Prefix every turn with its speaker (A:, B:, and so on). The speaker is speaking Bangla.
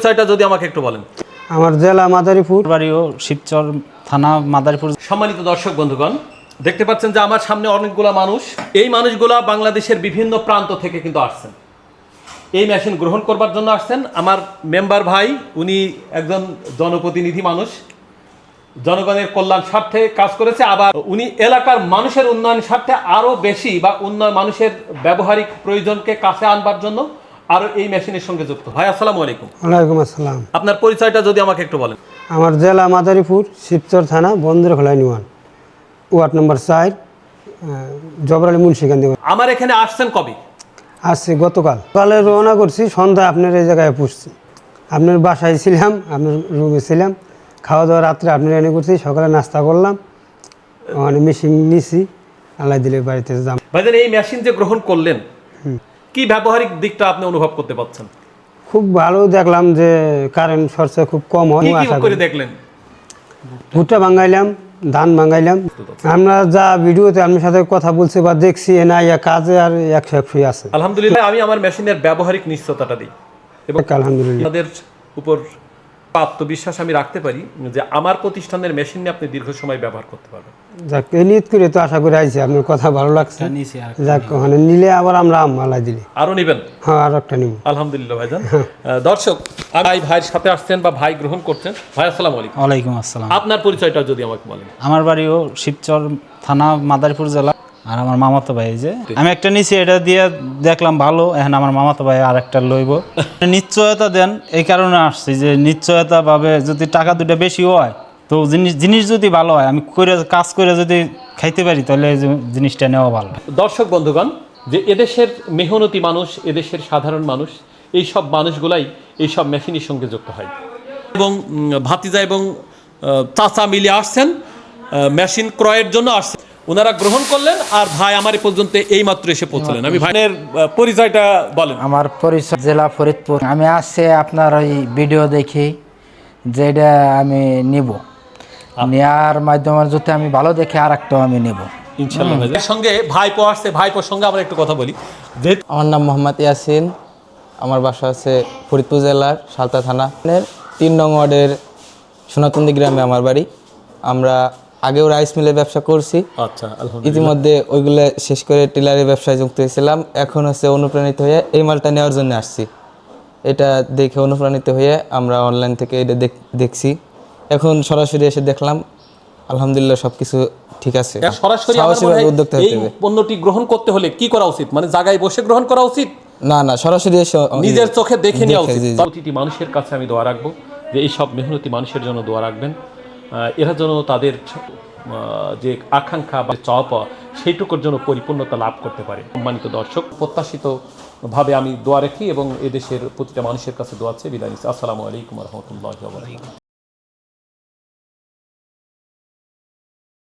A: পরিচয়টা যদি আমাকে একটু বলেন।
B: আমার জেলা মাদারীপুর,
C: বাড়িও শিবচর থানা মাদারীপুর।
A: সম্মানিত দর্শক বন্ধুগণ, দেখতে পাচ্ছেন যে আমার সামনে অনেকগুলা মানুষ। এই মানুষগুলা বাংলাদেশের বিভিন্ন প্রান্ত থেকে কিন্তু আসছেন, এই মেশিন গ্রহণ করবার জন্য আসছেন। আমার মেম্বার ভাই, উনি একজন জনপ্রতিনিধি মানুষ, জনগণের কল্যাণ স্বার্থে কাজ করেছে। আবার উনি এলাকার মানুষের উন্নয়ন স্বার্থে আরো বেশি বা মানুষের ব্যবহারিক প্রয়োজনকে কাছে আনবার জন্য আরো এই মেশিনের সঙ্গে যুক্ত। ভাই আসসালামু আলাইকুম।
B: ওয়ালাইকুম আসসালাম।
A: আপনার পরিচয়টা যদি আমাকে একটু বলেন।
B: আমার জেলা মাদারীপুর, শিবচর থানা, Bandarkhola union, ward number 4, Jabrali Munshiganj.
A: আমার এখানে আসছেন কবে?
B: আসছি গতকাল সকালে রওনা করছি, সন্ধ্যায় আপনার এই জায়গায় পুষছি। আপনার বাসায় ছিলাম, আপনার রুমে ছিলাম, খাওয়া দাওয়া রাত্রে আপনার এনে করছি, সকালে নাস্তা করলাম, মানে মেশিন নিছি, আল্লাহ দিলে বাড়িতে যাম।
A: ভাইজান, এই মেশিন যে গ্রহণ করলেন, কি ব্যবহারিক দিকটা আপনি অনুভব করতে পারছেন?
B: খুব ভালো দেখলাম যে কারেন্ট খরচা খুব কম হয়।
A: কি কি
B: আশা
A: করে
B: করি
A: দেখলেন?
B: ভুট্টা ভাঙাইলাম, ধান ভাঙাইলাম। আমরা যা ভিডিওতে আপনার সাথে কথা বলছি বা দেখছি, না ইয়া কাজে আর 100% আছে।
A: আলহামদুলিল্লাহ, আমি আমার মেশিনের ব্যবহারিক নিশ্চয়তাটা দিই এবং
B: আলহামদুলিল্লাহ
A: আপনাদের উপর আত্মবিশ্বাস আমি রাখতে পারি যে আমার প্রতিষ্ঠানের মেশিন নিয়ে আপনি দীর্ঘ সময় ব্যবহার করতে পারবেন।
B: যাক, এই নিয়ত করে তো আশা করে আইছি, আপনার কথা ভালো লাগছে। যাক, ওখানে নিলে আবার আমরা আল্লাহ দিলে
A: আরো নেবেন?
B: হ্যাঁ, আর একটা নিব।
A: আলহামদুলিল্লাহ ভাইজান। দর্শক, ভাইয়ের সাথে আসছেন বা ভাই গ্রহণ করছেন। ভাই আসসালামু আলাইকুম।
C: ওয়ালাইকুম আসসালাম।
A: আপনার পরিচয়টা যদি আমাকে বলেন।
C: আমার বাড়িও শিবচর থানা মাদারীপুর জেলা। আর আমার মামাতো ভাই, যে আমি একটা নিছি, এটা দিয়ে দেখলাম ভালো, এখন আমার মামাতো ভাই আর একটা লইব। নিশ্চয়তা দেন, এই কারণে আসছি যে নিশ্চয়তা ভাবে যদি টাকা দুটা বেশি হয়, তো জিনিস যদি ভালো হয়, আমি কাজ করে যদি খাইতে পারি, তাহলে এই জিনিসটা নেওয়া ভালো।
A: দর্শক বন্ধুগণ, যে এদেশের মেহনতি মানুষ, এদেশের সাধারণ মানুষ, এই সব মানুষগুলাই এই সব মেশিনের সঙ্গে যুক্ত হয় এবং ভাতিজা এবং চাচা মিলে আসছেন মেশিন ক্রয়ের জন্য আসছেন। ওনারা গ্রহণ করলেন আর ভাই আমার পর্যন্ত এই মাত্র এসে পৌঁছলেন। আমি ভাইয়ের পরিচয়টা বলেন।
D: আমার পরিচয় জেলা ফরিদপুর। আমি আসছে আপনার ওই ভিডিও দেখি, যেটা আমি নিব, নেওয়ার মাধ্যমে যদি আমি ভালো দেখে আর একটা আমি নিব
A: ইনশাআল্লাহ। ভাইয়ের সঙ্গে ভাইপো আসছে, ভাইপোর সঙ্গে আমরা একটু কথা বলি।
E: আমার নাম মোহাম্মদ ইয়াসিন, আমার বাসা আছে ফরিদপুর জেলার সালতা থানা 3 নং ওয়ার্ডের সোনাতন্দি গ্রামে আমার বাড়ি। আমরা আগেও রাইস মিলের ব্যবসা করছি।
A: আচ্ছা, আলহামদুলিল্লাহ।
E: ইতিমধ্যে ওইগুলো শেষ করে টিলারের ব্যবসায় যুক্ত হয়েছিলাম। এখন হচ্ছে অনুপ্রাণিত হয়ে এই মালটা নেওয়ার জন্য আসছি। এটা দেখে অনুপ্রাণিত হয়ে আমরা অনলাইন থেকে এটা দেখছি, এখন সরাসরি এসে দেখলাম, আলহামদুলিল্লাহ সব কিছু ঠিক আছে।
A: সরাসরি
E: উদ্যোক্তা
A: এই পণ্যটি গ্রহণ করতে হলে কি করা উচিত? মানে জায়গায় বসে গ্রহণ করা উচিত
E: না, সরাসরি এসে
A: নিজের চোখে দেখে নেওয়া উচিত। প্রতিটি মানুষের কাছে আমি দোয়া রাখবো যে এই সব মেহনতি মানুষের জন্য দোয়া রাখবেন, এরা যেন তাদের যে আকাঙ্ক্ষা বা চাওয়া পাওয়া সেইটুকুর জন্য পরিপূর্ণতা লাভ করতে পারে। সম্মানিত দর্শক, প্রত্যাশিতভাবে আমি দোয়া রাখি এবং এদেশের প্রতিটা মানুষের কাছে দোয়া আছে। বিদায় নিচ্ছি। আসসালামু আলাইকুম ওয়া রাহমাতুল্লাহি ওয়া বারাকাতুহু।